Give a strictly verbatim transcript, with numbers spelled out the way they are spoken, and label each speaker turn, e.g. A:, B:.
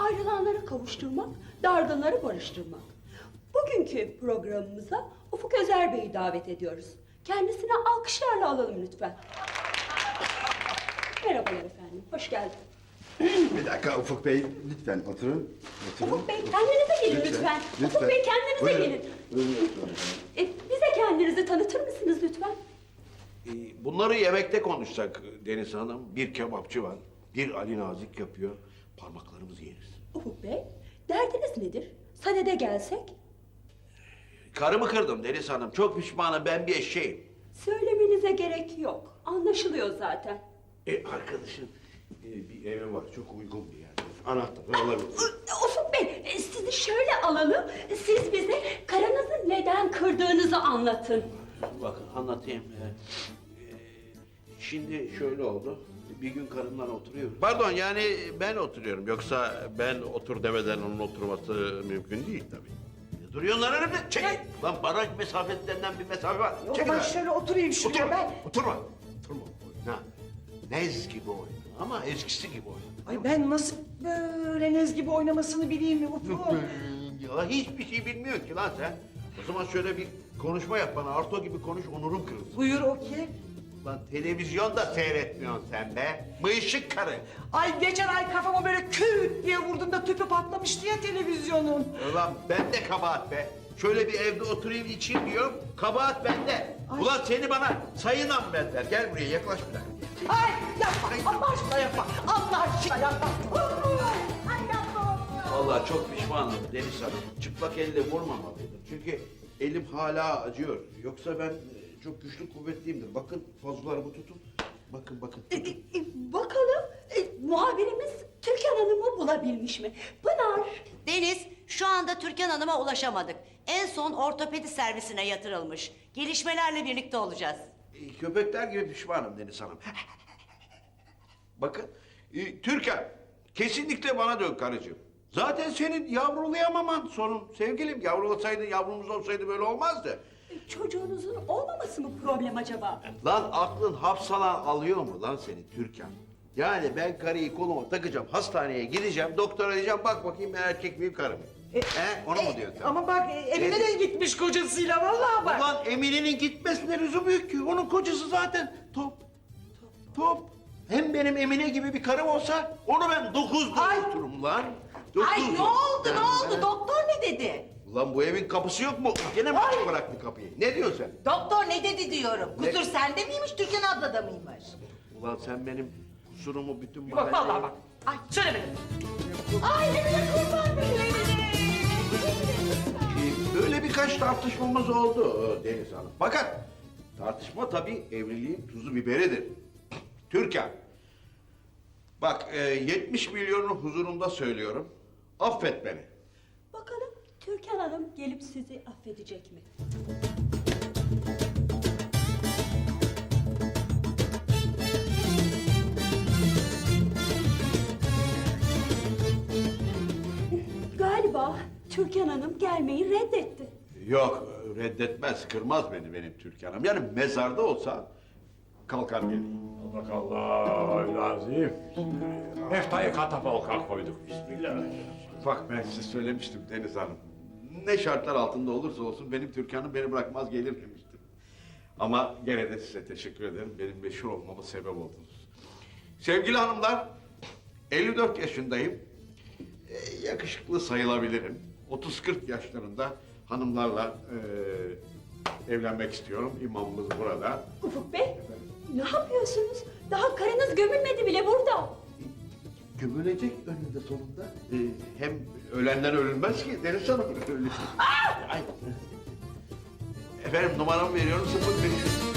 A: ayrılanları kavuşturmak, dargınları barıştırmak. Bugünkü programımıza Ufuk Özer Bey'i davet ediyoruz. Kendisini alkışlarla alalım lütfen. Merhabalar efendim, hoş geldiniz.
B: Bir dakika Ufuk Bey, lütfen oturun. oturun.
A: Ufuk Bey kendinize gelin lütfen. lütfen.
B: lütfen.
A: Ufuk Bey kendinize
B: Buyurun.
A: gelin.
B: Buyurun.
A: E, bize kendinizi tanıtır mısınız lütfen?
C: Ee, Bunları yemekte konuşsak Deniz Hanım. Bir kebapçı var, bir Ali Nazik yapıyor. Parmaklarımızı yeriz.
A: Ufuk Bey, derdiniz nedir? Sadede gelsek?
C: Karımı kırdım Deniz Hanım. Çok pişmanım, ben bir eşeğim.
A: Söylemenize gerek yok. Anlaşılıyor zaten.
C: E, arkadaşın e, bir evi var, çok uygun bir yerde. Anahtarı alabilir.
A: Ufuk Bey, e, sizi şöyle alalım. Siz bize karınızı neden kırdığınızı anlatın.
C: Bakın anlatayım. Ee, e, şimdi şöyle oldu. Bir gün karımla oturuyoruz. Pardon, yani ben oturuyorum. Yoksa ben otur demeden onun oturması mümkün değil tabii. E, Duruyorsun lan önümde. Çek. Lan baraj mesafetlerinden bir mesafe var.
D: Yok,
C: Çekil
D: ben
C: lan.
D: şöyle oturayım şuraya
C: Oturma.
D: ben.
C: Oturma. Oturma. Oyna. Nez gibi oyna. Ama eskisi gibi oyna.
D: Ay ben nasıl böyle Nez gibi oynamasını bileyim mi Ufuk?
C: Ya hiçbir şey bilmiyor ki lan sen. O zaman şöyle bir konuşma yap bana. Arto gibi konuş, onurum kırılsın.
D: Buyur o ki.
C: Lan televizyon da seyretmiyorsun sen be. Bıyışık karı.
D: Ay geçen ay kafama böyle küt diye vurduğumda tüpü patlamıştı ya televizyonun.
C: Ulan ben de kabahat be. Şöyle bir evde oturayım içeyim diyorum. Kabahat bende.
D: Ay.
C: Ulan seni bana sayıyla mı benzer? Gel buraya yaklaş bir dakika.
D: Ay yapma Allah aşkına yapma. Allah aşkına yapma. Ay yapma.
C: Vallahi çok pişmanım Deniz Hanım. Çıplak elle vurmamalıydım. Çünkü elim hala acıyor. Yoksa ben e, çok güçlü kuvvetliyimdir. Bakın fazlalarımı tutun. Bakın bakın.
A: E, e, e, bakalım e, muhabirimiz Türkan Hanım'ı bulabilmiş mi? Pınar,
E: Deniz, şu anda Türkan Hanım'a ulaşamadık. En son ortopedi servisine yatırılmış. Gelişmelerle birlikte olacağız.
C: E, Köpekler gibi pişmanım Deniz Hanım. Bakın, e, Türkan, kesinlikle bana dön karıcığım. Zaten senin yavrulayamaman sorun. Sevgilim, yavrulasaydın, yavrumuz olsaydı böyle olmazdı.
A: e, çocuğunuzun olmaması mı problem acaba?
C: Lan aklın hapsalan alıyor mu lan seni Türkan? Yani ben karıyı koluma takacağım, hastaneye gideceğim, doktora diyeceğim, bak bakayım ben erkek miyim, karı mıyım?
D: E,
C: He, onu mu diyorsun sen?
D: Ama bak e, evine de gitmiş kocasıyla vallahi bak.
C: Ulan Emine'nin gitmesine lüzum yok ki. Onun kocası zaten top. Top. Top. Hem benim Emine gibi bir karım olsa onu ben dokuz
D: Ay.
C: doğurturum lan. Dokuz
E: Ay ne
C: doğur-
E: oldu
C: Ben-
E: ne oldu?
C: ben-
E: Doktor ne dedi?
C: Ulan bu evin kapısı yok mu? Gene mi açık bıraktı kapıyı? Ne diyorsun sen?
E: Doktor ne dedi diyorum.
C: Ne?
E: Kusur sende miymiş, Türkan ablada mıymış?
C: Ulan sen benim kusurumu bütün
D: Bak vallahi bak. Ay söylemedim.
E: Ay Emine kurban benim.
C: Ee, Böyle birkaç tartışmamız oldu e, Deniz Hanım. Fakat tartışma tabii evliliğin tuzu biberidir. Türkan. Bak e, yetmiş milyonu huzurunda söylüyorum. Affet beni.
A: Bakalım Türkan Hanım gelip sizi affedecek mi? Galiba Türkan Hanım gelmeyi reddetti.
C: Yok reddetmez, kırmaz beni benim Türkan'ım. Yani mezarda olsa kalkar gelir.
F: Allah lazım. Heftayı katapulka koyduk. Bismillah.
C: Bak ben size söylemiştim Deniz Hanım. Ne şartlar altında olursa olsun benim Türkan'ım beni bırakmaz gelir demiştim. Ama gene de size teşekkür ederim. Benim meşhur olmama sebep oldunuz. Sevgili hanımlar, elli dört yaşındayım. Ee, yakışıklı sayılabilirim. otuz kırk yaşlarında hanımlarla ee, evlenmek istiyorum. İmamımız burada.
A: Ufuk Bey, ne yapıyorsunuz? Daha karınız gömülmedi bile burada.
C: Gömülecek önünde sonunda. Ee, hem ölenden ölünmez ki Deniz Hanım. Öyle. Ay. Efendim numaramı veriyorum sıfır beş yüz.